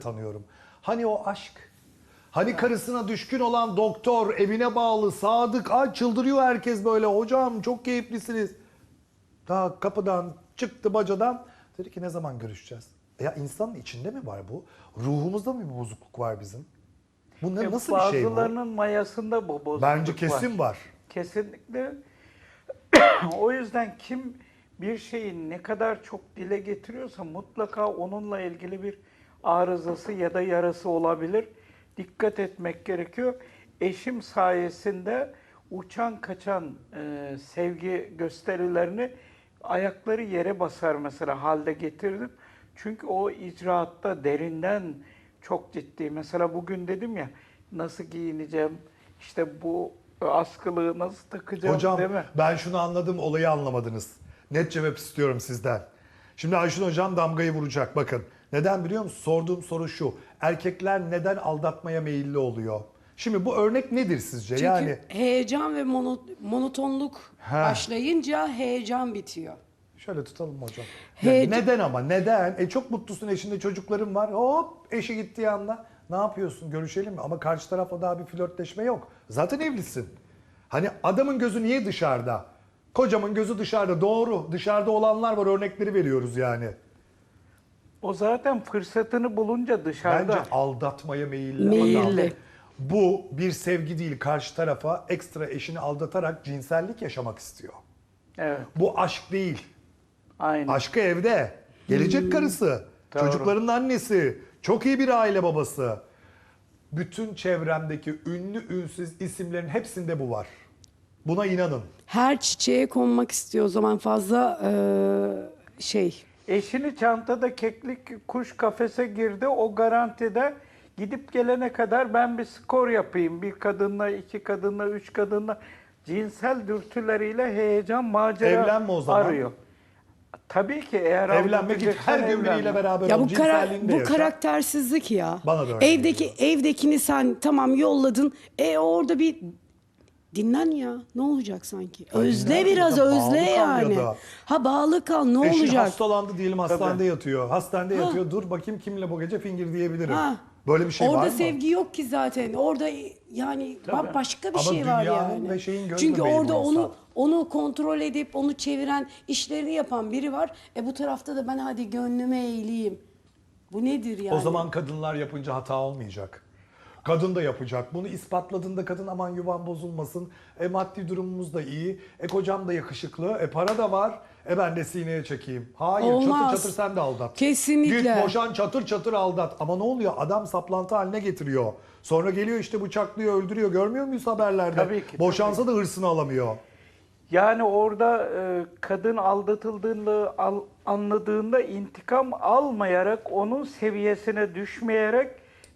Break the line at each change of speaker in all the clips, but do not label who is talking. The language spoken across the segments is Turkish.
tanıyorum. Hani o aşk? Hani karısına düşkün olan doktor, evine bağlı, sadık, ay çıldırıyor herkes böyle. Hocam çok keyiflisiniz. Daha kapıdan çıktı bacadan. Dedi ki ne zaman görüşeceğiz? Ya insanın içinde mi var bu? Ruhumuzda mı bir bozukluk var bizim? Bu nasıl bir şey bu?
Bazılarının mayasında bu bozukluk
Bence kesin var.
Kesinlikle. O yüzden kim bir şeyi ne kadar çok dile getiriyorsa mutlaka onunla ilgili bir arızası ya da yarası olabilir. Dikkat etmek gerekiyor. Eşim sayesinde uçan kaçan sevgi gösterilerini ayakları yere basar mesela halde getirdim. Çünkü o icraatta derinden çok ciddi. Mesela bugün dedim ya nasıl giyineceğim, işte bu askılığı nasıl takacağım,
Hocam
değil mi?
ben şunu anladım, olayı anlamadınız. Net cevap istiyorum sizden. Şimdi Ayşun Hocam damgayı vuracak bakın. Neden biliyor musun? Sorduğum soru şu. Erkekler neden aldatmaya meyilli oluyor? Şimdi bu örnek nedir sizce?
Çünkü
Yani
heyecan ve monotonluk başlayınca heyecan bitiyor.
şöyle tutalım hocam.
Heyecan-
Neden ama? Neden? Çok mutlusun, eşinde çocukların var. Hop eşi gittiği anda ne yapıyorsun? Görüşelim mi? Ama karşı tarafla daha bir flörtleşme yok. Zaten evlisin. Hani adamın gözü niye dışarıda? Kocamın gözü dışarıda. Doğru. Dışarıda olanlar var. Örnekleri veriyoruz yani.
O zaten fırsatını bulunca dışarıda.
Bence aldatmaya meyilli.
Meyilli.
adam. Bu bir sevgi değil. Karşı tarafa ekstra eşini aldatarak cinsellik yaşamak istiyor.
Evet,
Bu aşk değil.
aynen.
Aşkı evde. Gelecek karısı.
Doğru.
Çocukların annesi. Çok iyi bir aile babası. Bütün çevremdeki ünlü ünsüz isimlerin hepsinde bu var. Buna inanın.
Her çiçeğe konmak istiyor o zaman fazla
Eşini çantada keklik kuş kafese girdi. O garantide gidip gelene kadar ben bir skor yapayım. Bir kadınla, iki kadınla, üç kadınla cinsel dürtüleriyle heyecan, macera
Evlenme o zaman.
arıyor. Tabii ki eğer
Evlenme git
aldatacaksan
her gün biriyle
evlenme.
beraber
Ya
ol.
bu
Cinselliğini de
bu
yaşa.
karaktersizlik ya.
Bana da öyle
Evdekini sen tamam yolladın. Orada bir dinlen ya. Ne olacak sanki? Özle
dinlen
biraz
ya da
özle
bağlı kal ya
yani.
da.
Ha bağlı kal ne
Eşin
olacak?
hastalandı diyelim, hastanede yatıyor. Hastanede
Ha.
yatıyor. Dur bakayım kimle bu gece fingir diyebilirim.
Ha.
Böyle bir şey var mı?
Orada sevgi yok ki zaten. Orada yani başka bir
Ama
şey var
dünyanın
yani.
ve şeyin göz
Çünkü
bebeği bu
orada
insan.
onu kontrol edip onu çeviren, işlerini yapan biri var. Bu tarafta da ben hadi gönlüme eğileyim. Bu nedir yani?
O zaman kadınlar yapınca hata olmayacak. Kadın da yapacak. Bunu ispatladığında kadın aman yuvan bozulmasın. Maddi durumumuz da iyi. Kocam da yakışıklı. Para da var. Ben de sineye çekeyim. Hayır,
Olmaz.
çatır çatır sen de aldat.
Kesinlikle.
Git boşan, çatır çatır aldat. Ama ne oluyor? Adam saplantı haline getiriyor. Sonra geliyor işte bıçaklıyor, öldürüyor. Görmüyor muyuz haberlerde?
Tabii ki,
Boşansa da hırsını alamıyor.
Yani orada kadın aldatıldığını anladığında intikam almayarak, onun seviyesine düşmeyerek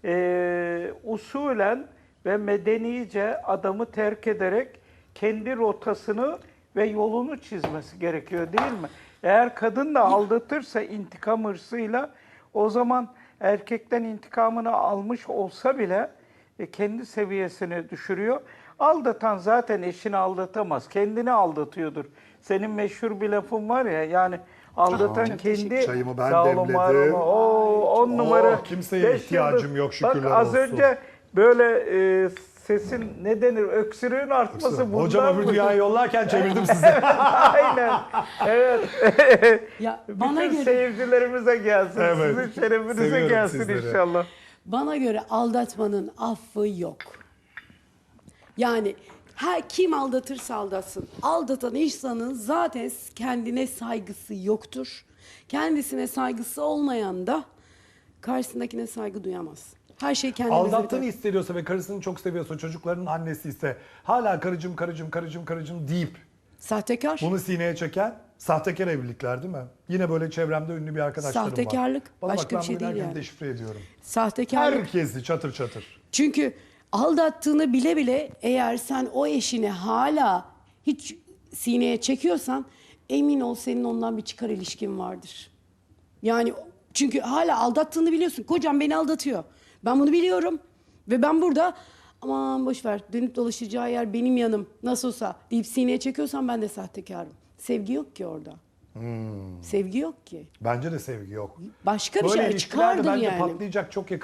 usulen ve medenice adamı terk ederek kendi rotasını ve yolunu çizmesi gerekiyor değil mi? Eğer kadın da aldatırsa intikam hırsıyla o zaman erkekten intikamını almış olsa bile kendi seviyesini düşürüyor. Aldatan zaten eşini aldatamaz. Kendini aldatıyordur. Senin meşhur bir lafın var ya yani aldatan
Çok
kendi
Çayımı ben
sağ olun,
demledim.
var olun. On numara.
Kimseye
5
ihtiyacım
yıldız.
yok, şükürler
Bak az
olsun.
önce böyle sesin ne denir öksürüğün artması bundan
Hocam öbür
mı?
dünyayı yollarken çevirdim sizi.
Aynen. Evet.
Ya bana
Bütün
göre
seyircilerimize gelsin.
Evet.
Sizin şerefinize
Seviyorum
gelsin
sizleri.
inşallah.
bana göre aldatmanın affı yok. Yani kim aldatırsa aldatsın. Aldatan insanın zaten kendine saygısı yoktur. Kendisine saygısı olmayan da karşısındakine saygı duyamaz. Her şey kendimize
Aldattığını
biter.
hissediyorsa ve karısını çok seviyorsa, çocuklarının annesi ise hala karıcığım deyip
Sahtekar.
bunu sineye çeken sahtekar evlilikler değil mi? Yine böyle çevremde ünlü bir arkadaşlarım var.
Sahtekarlık,
Bana
başka
bak, ben
bir şey
bugün
değil
herkesi
yani.
deşifre ediyorum.
Sahtekarlık.
Herkesi çatır çatır.
Çünkü aldattığını bile bile eğer sen o eşini hala hiç sineye çekiyorsan emin ol senin ondan bir çıkar ilişkin vardır. Yani çünkü hala aldattığını biliyorsun. Kocam beni aldatıyor. Ben bunu biliyorum ve ben burada aman boş ver dönüp dolaşacağı yer benim yanım nasıl olsa deyip sineye çekiyorsan ben de sahtekarım. Sevgi yok ki orada. Sevgi yok ki.
Bence de sevgi yok.
Başka bir
Böyle
şey
ilişkiler de
çıkardır
bence
yani.
patlayacak çok yakın.